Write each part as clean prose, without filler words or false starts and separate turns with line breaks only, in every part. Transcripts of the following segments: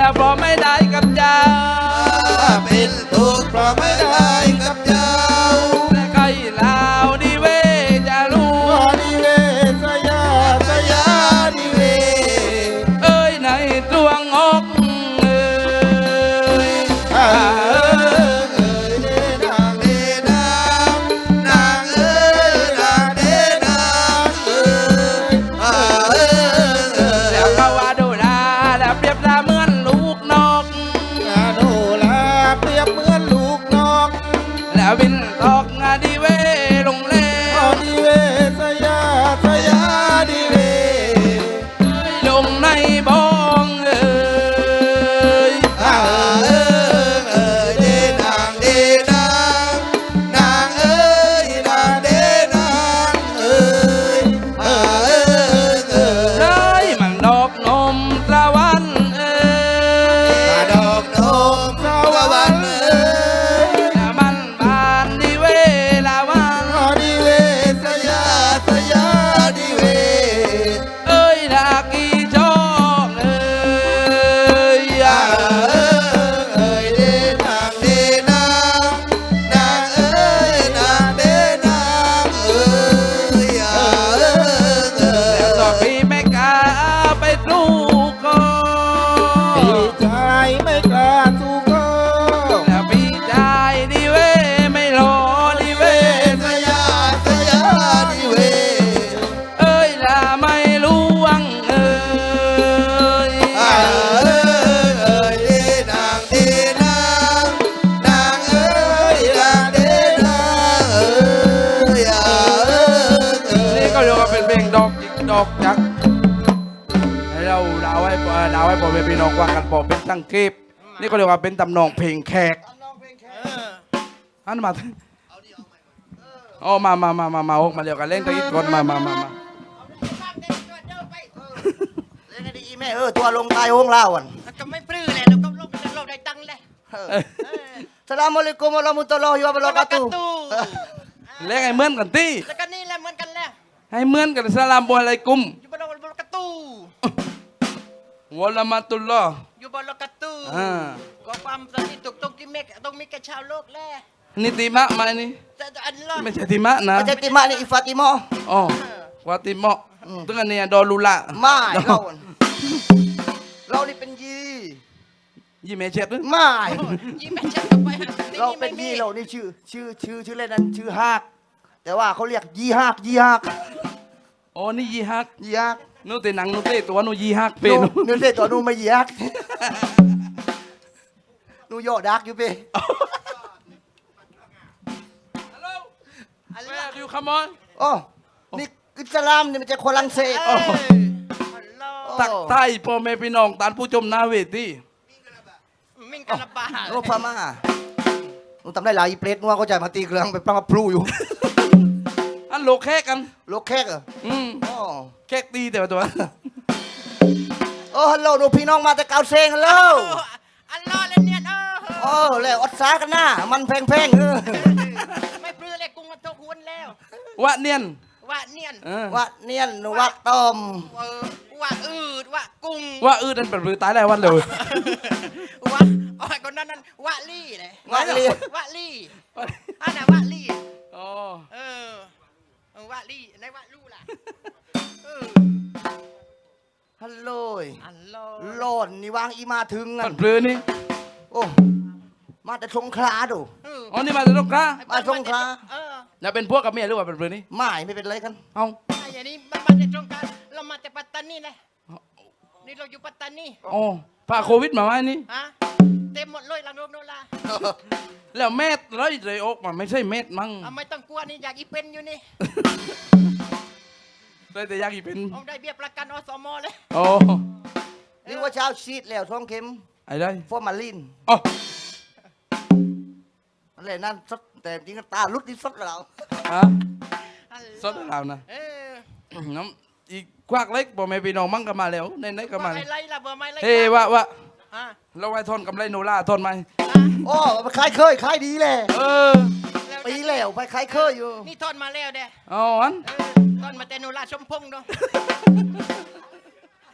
แล้วเพราะไม่ได้กับเจ้า
เป็นทุกข์เพราะไม่ได้กับเจ้า
แต่ใครลาวดีเวจะรู้
ดีเวสยาสยาดีเว
เอ้ยในตวงอก
เอ้ยเด้นางเด้นางนางเอ้ยนางเด้นางเอ้ย
แล้วก็ว่าดูแลแล้วเปรียบดาเหมือนลูกนก
โดลาเปรียบเหมือนลูกนก
แล้วบินตกดีเวลงเล
ดีเวสยาสยาดีเว
ลงในบ้องเอ้ย
เด้นางเด้นางนางเอ้ยนางเด้นางเอ้ย
เลยมันดอกนมตะวันเอ้ย
ดอกนมสวรรค์เอ้ย
มันบานดีเวลาวัน
ดีเวสยาสยาดีเว
เอ้ยดากีจอกเอ้ย
เอ้ยเด้นางเด้นางนางเอ้ยนางเด้นางเอ้ย
แล้วต่อพี่ไม่กล้าไปสู้ก็
พี่ชายไม่กล้าสู้ก็
แล้วพี่ชายดีเวไม่รอดีเว
สยาสยาดีเว
เอ้ยละไม่รู้วังเอ้ย
เอ้ยเด้นางเด้นางนางเอ้ยนางเด้นางเอ้ย
นี่ก็เรียกว่าเป็นเพลงดอกจิกดอกจักให้เราดาวให้พ่อแม่พี่น้องว่ากันพอเป็นตั้งเก็บนี่ก็เรียกว่าเป็นตำนองเพลงแขกอันมาอ๋อมาออกมาเรียกกันเล่นตะกี้ก่อนมา
เล่นให้ดีแม่ตัวลงตายห้องเล่าอ่ะ
ก็ไม่ปลื้มเลยเราก็ลงได้ตังค์เลย
สลามอะลัยกุมวะเราะมุตุลลอฮิวะบะเราะกาตุฮ์
เล่นให้เหมือนกันตี
แล้วก็นี่แหละเหมือนกันแหละ
ให้เหมือนกันสลามบออะไรกุม
อยู่บนโลกาตู
วะละมาตุลลอฮ์
อยู่บนโลกาตู ก็ความสนิทตรงที่เมกต้องมีกับชาวโลกแหละ
นี่ติมะมานี่
แต่อันละ
ไม่ใช่ติมะนะ
ไม่ใช่ติมานี่อิฟาติมอ
อ๋อวาติมะตึงอันนี้ดอลูละ
ไม่เรานี่เป็นยี
ยี่เมเช็ดหรือ
ไม่
ยี่แม่ฉันก็ไปหา
เราเป็นยีเรานี่ชื่อเล่นนั้นชื่อฮากแต่ว่าเขาเรียกยีฮาก
อ๋อนี่ยีฮัก
ยีฮัก
นู่นแต่หนังนู่นแต่ตัวนู่นยีฮักเป็น
นู่นเล่ตัวนู่นไม่ยีฮักนู่นโยดักอยู่เป้
Where do you come on
โอ้นี่อิสลามนี่มันจะคนลังเศส
ตักใต้พ่อแม่พี่น้องตานผู้ชมหน้าเวที
มิงกันละบา
โอ้พม่านู่นทำได้หลายอีเปรตนู่นเขาใจมาตีเครื่องไปปลังพลูอยู่
อันโลแค่กัน
โลกแขกเหรออ๋อ
แค่ตีแต่ว่าตัว
โอ้ฮัลโหลดูพี่น้องมาแต่เกาเซงฮัลโหล
อันรอเลยเนี่ย
โอ้แล้วอดสากันหน้ามันแพง
ไม่ปลื้มเลยกุ้งมันโตกวนแล้ว
วะเนียน
ว่าเนียน
วะเนียนวะต้ม
ว่าอืดว่ากุ้ง
ว่านั่นเป็นมือตายแล้ววันเลย
ว่าอ๋อคนนั้นว่าลี่เลยว
ะเลีย
ว่าลี่อันน่ะว่าลี่
อ๋อ
ว่าลี่ในว่าลู่ล่ะ
ฮัลโหล
อันโล
โลนนี่วางอีมาถึง
มันเปลือนี่
โอ้มาแต่สงขลาดู
อ๋อนี่มาจากตรงกลาง
มาสงขลา
แล้วเป็นพวกกับเมียหรือว่าเป็นเปลือนี่
ไม่เป็นไรกัน
เอ้า
อย่างนี้มันมาจากตรงกลางเรามาจากปัตตานีเลยนี่เราอยู่ปัตตานี
อ๋อพาโควิดมาไหมนี่
ฮะเต็มหมดเลยลังโรคโนรา
แล้วเม็ดเลยออกมาไม่ใช่เม็ดมั้ง
ไม่ต้องกลัวนี่อยากอีเป็นอยู่นี่
เลยแต่อยากอีเป็น
เอาได้เบี้ยประกันอสมเลย
อ๋อ
นี่ว่าเช้าชีดแล้วท้องเข็ม
ไอ้ได้
ฟอร์มาลิน
อ๋อ
อะไรนั่นสดแต่จริงตาลุดนี่สดแล้ว
ฮะสดแล้วนะน้ำอีกควักเล็กบอกไม่พี่น้องมั่งก็มาแล้วในก็มา
ไรล่ะเบอร์ไม่ไร
เฮ้วะเราไว้ทนกับไรโนล่าทนไหม
โอ้ขายเคยขายดีเลยปีแล้วไปขายเคยอยู่
นี่ทอนมาแล้วเด้
อ๋ออัน
ทอนมาแต่โนราชมพงษ์เนาะ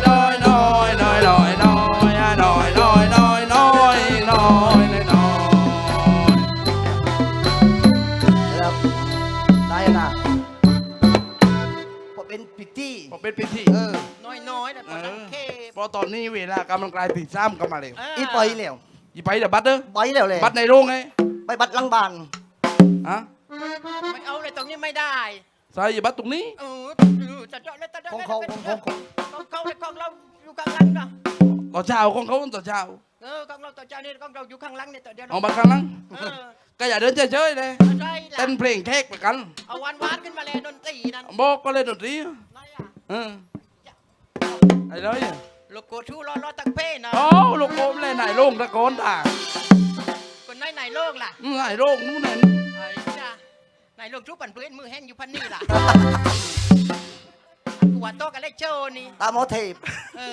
น้อยน้อยน้อยน้อยน้อยน้อยน้อยน้อยน้อยน้อยน้อย
ครับได้นะผมเป็นพิตตี้
ผมเป็นพิธี
น้อยๆแต่ตอนนั้นเค
พอตอนนี้เวลากำลังกลายตีซ้ำกันมาเลย
อีปอยเหลว
ยี่ไปเดี๋ยวบัตรเด้อ
ปอยเหลวเลย
บัตรในโรงไง
ไปบัดลังบาน
ฮะ
ไม่เอาเลยตรงนี้ไม่ได้
ใส่บัตรตรงนี้
จะเจาะเลยจะเจาะ
ของเขาของเขา
ของเราอยู่ข้างหลังนะ
ต่อเช้าของเขาต่อเช้า
ของเราต่อจากนี้ของเราอยู่ข้างหลังเนี่ยต่อเดียว
เอาบัตรข้างหลังก็อย่าเดินเฉยๆเลย
ใช่ละ
เต้นเพลงแขกไปกัน
เอาหวานๆขึ้นมาเลยดนตรีนั่น
บอกก็เลยดนตรี
ไหนอ่ะ
เออไอ้เลย
โลโก้ชูรอตักเป้นะ
โอ้ลูกโป่งเลยไหนโรงตะโกนด่า
คนไหนโลกล่ะ
ไหนโรงนู้นนั่น
ไอ้จ้าไหนโลกชูปั่นเพื่อนมือแห้งอยู่พันนี่ล่ะกูว่าโต๊ะกันเลยโจนี่
ตามโมเทป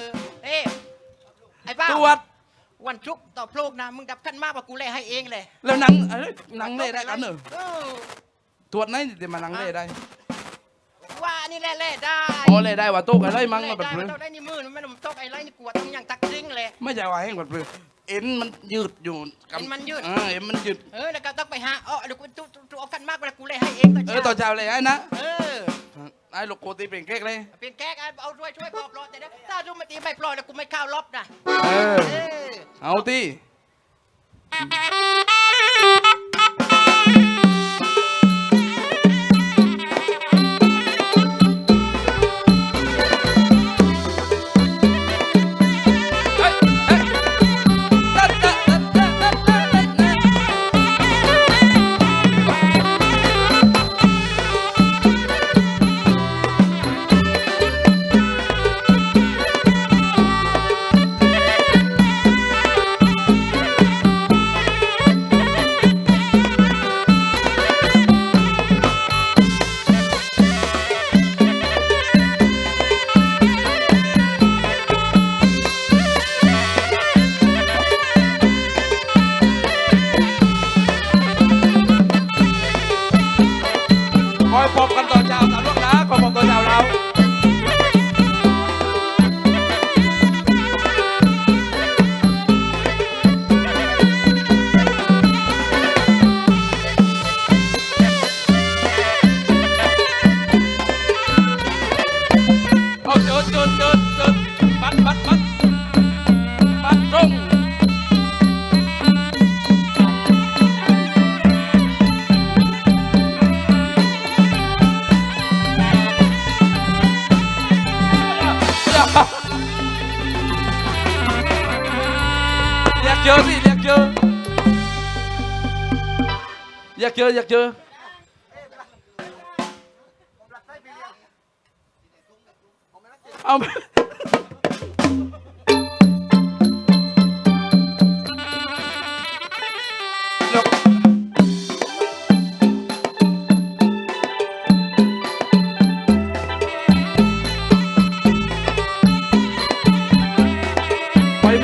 ไอ้บ้า
ตรวจ
วันชุกต่อโปลกนะมึงดับขั้นมากกว่ากูเลยให้เองเลย
แล้วหนังเล่ได้กันเหรอตรวจไหนที่มานั่งเล่ได้
ว่านี่แหละได้
อ๋อเล่ได้ว่าโต๊ะอะไรมั้ง
เล่
มาแบบ
ได้
นี้
มันต้องได้นี่มือมันต้องไอ้ไรนี่กวดต้องอย่างตักจริงเลย
ไม่ใช่ว่าแห้งแบบนี้เอ็นมันยืดอยู่กับ
เอ็นมันยืด
เอ็นมันยืด
แล้วก็ต้องไปหาเดี๋ยวกูเอากันมากเวลากูเลยให้เองตอน
ต่อ
เช้า
เช้าเลยไอ้นะ
เออ
ไอ้ลูกโกตีเป็นเค้กเลย
เป็นแก๊กเอาช่วยปลอบรอแต่ถ้าดูมาตีไม่ปล่อยแล้วกูไม่เข้ารอบนะ
เออ
เออ
เอาตีเฮ้ยเฮ้ยตัดตัดตัดตัดตัดตัดตัด คอยพบกันตอนเช้าตามลูกนะคอยพบตอนเช้าเราเอาจุดปัดตรงอยากเจอสิอยากเจอเอาเดี๋ยวไปไหม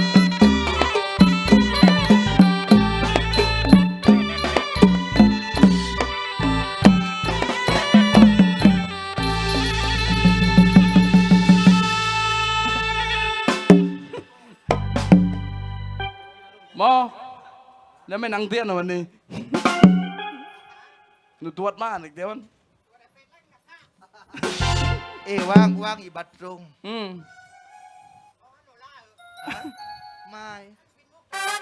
หมอแล้วไม่นั่งเตี้ยนเหรอวันนี้หนูตรวจมาอีกเดี๋ยวมัน
ว่างอีบัตรตรง
อืม
ไม่